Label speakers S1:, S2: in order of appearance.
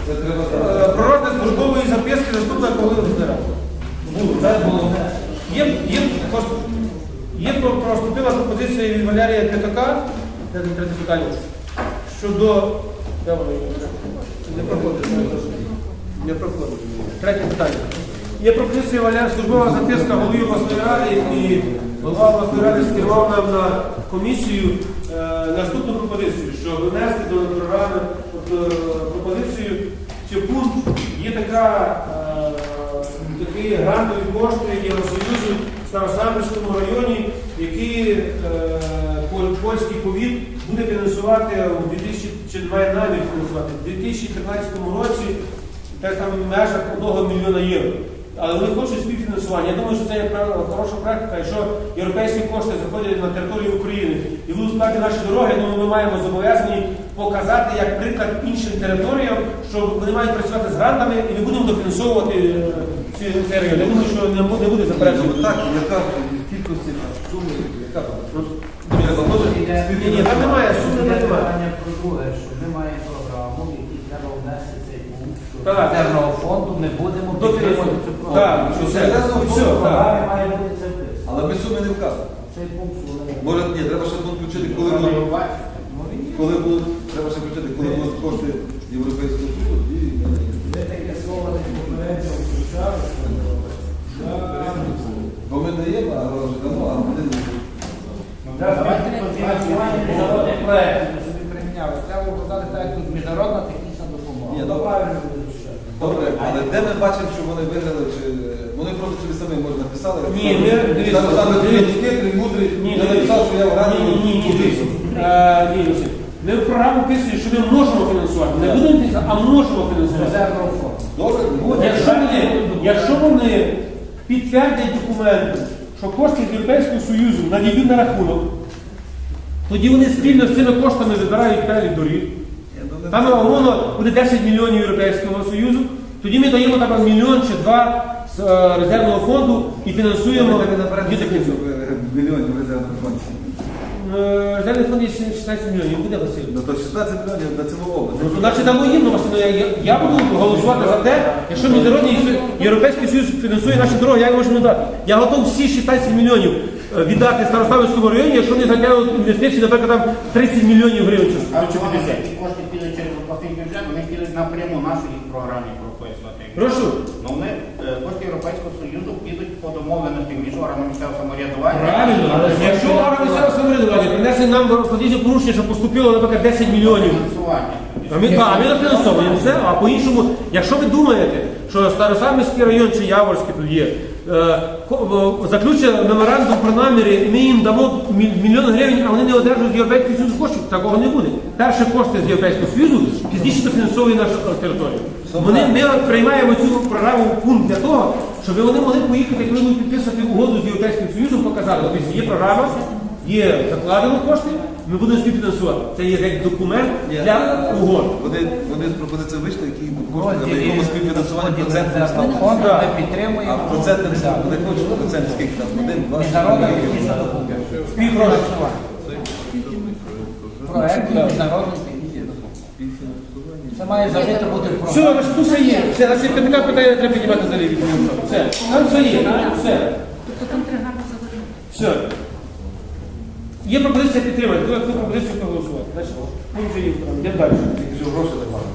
S1: Про розгляд службової записки заступника голови Верховної Ради. Поступила пропозиція від Валерія П'ятака, третє питання, щодо... Не проходить. Третє питання. Є пропозиція Валерія, службова записка голови обласної ради, і голова обласної ради скерував нам на комісію наступну пропозицію, що внести до програми пропозицію, що пункт є такі грантові кошти Євросоюзу в Старосамбірському районі, які польський повіт буде фінансувати має намір фінансувати в 2013 році десь там в межах 1 мільйона євро. Але вони хочуть співфінансування. Я думаю, що це є хороша практика, якщо європейські кошти заходять на територію України і будуть складати наші дороги, тому ми маємо зобов'язані показати як приклад іншим територіям, що вони мають працювати з грантами і не будемо дофінансовувати цей район. Я думаю, що не буде заперечення.
S2: Так, яка кількості суми, яка
S1: Ні, там немає, суми немає.
S3: Про друге, що ми маємо програму, в якій треба внести цей пункт, що резервного фонду ми будемо підтримувати цю програму.
S1: Так, що це
S3: програмі має бути це вписано.
S2: Але ми суми не вказуємо.
S3: Цей пункт, що вони...
S2: Може, ні, треба ще пункт включити, коли будуть, треба ще включити, коли будуть кошти Європейського Союзу і
S3: Ви таке слово не попередньо включали,
S2: бо ми даємо, а вже дамо, а ми не
S3: давайте фінансування міжнародних проєктів, ми собі приміняли. Треба вказати так, як тут міжнародна технічна допомога.
S2: Ні,
S3: Ну, правильно буде ще.
S2: Добре, але де ми бачимо, що вони виграли, чи вони просто собі самі може написали?
S1: Ні, ми дивіться.
S2: Саме хитрий, мудрий, я написав, що я в раді.
S1: Ні, ми в програму писали, що ми можемо фінансувати. Не будемо фінансувати, а можемо фінансувати.
S3: Резервного фонду.
S2: Добре,
S1: Якщо вони підтвердять документи, що кошти з Європейського Союзу надійдуть на рахунок, тоді вони спільно з цими коштами вибирають перелік доріг. Там умовно буде 10 мільйонів Європейського Союзу, тоді ми даємо там мільйон чи два з резервного фонду і фінансуємо дітей.
S2: мільйонів резервних фондів.
S1: Резервний фонд є 16 мільйонів, буде Василь?
S2: Ну то 16 мільйонів на цілу область.
S1: Значить, дамо їм, Василь, я буду голосувати за те, якщо Міжнародний Європейський Союз фінансує наші дороги, я можу дати. Я готов всі 16 мільйонів віддати Старославському районі, якщо вони затягнуть інвестиції, наприклад, там 30 мільйонів гривень.
S4: А чи вони ці кошти підуть через обласний бюджет, вони підуть напряму нашу їх програмі прописувати.
S1: Прошу.
S4: Ну вони кошти Європейського Союзу підуть по домовленості між органами місцевого самоврядування.
S1: Правильно, але якщо органи місцевого самоврядування принесли нам розподільні порушення, що поступило, наприклад, 10 мільйонів.
S4: Фінансування.
S1: А ми дофінансовуємо все, а по-іншому, якщо ви думаєте, що Старосамбірський район чи Яворський тут є, заключить меморандум про наміри, і ми їм дамо мільйон гривень, а вони не одержують з Європейського Союзу коштів, такого не буде. Перші кошти з Європейського Союзу пізніше дофінансовує нашу територію. Ми приймаємо цю програму пункт для того, щоб вони могли поїхати, коли будуть підписувати угоду з Європейським Союзом, показати, тобто є програма, є закладено кошти, ми будемо співфінансувати. Це є як документ для угод.
S2: Вони з пропозицією вийшли, які кошти, на якому співфінансування процентним став.
S3: Фонду ми підтримуємо.
S2: А процентним став, вони хочуть процент скільки там, 1, 2,
S3: Міжнародна технічна допомога.
S1: Співфінансування.
S3: Проект міжнародної технічної допомоги. Це має завжди бути в
S1: Все,
S3: програмі.
S1: значить, тут все є. Все, значить, така питання треба піднімати за ліві. Все, там все є. Все.
S5: Тобто там три гарно заводити.
S1: Все. Є пропозиція підтримати. Коли цю пропозицію проголосувати. Значить, ми вже є. Йдемо далі.
S2: Гроші немає.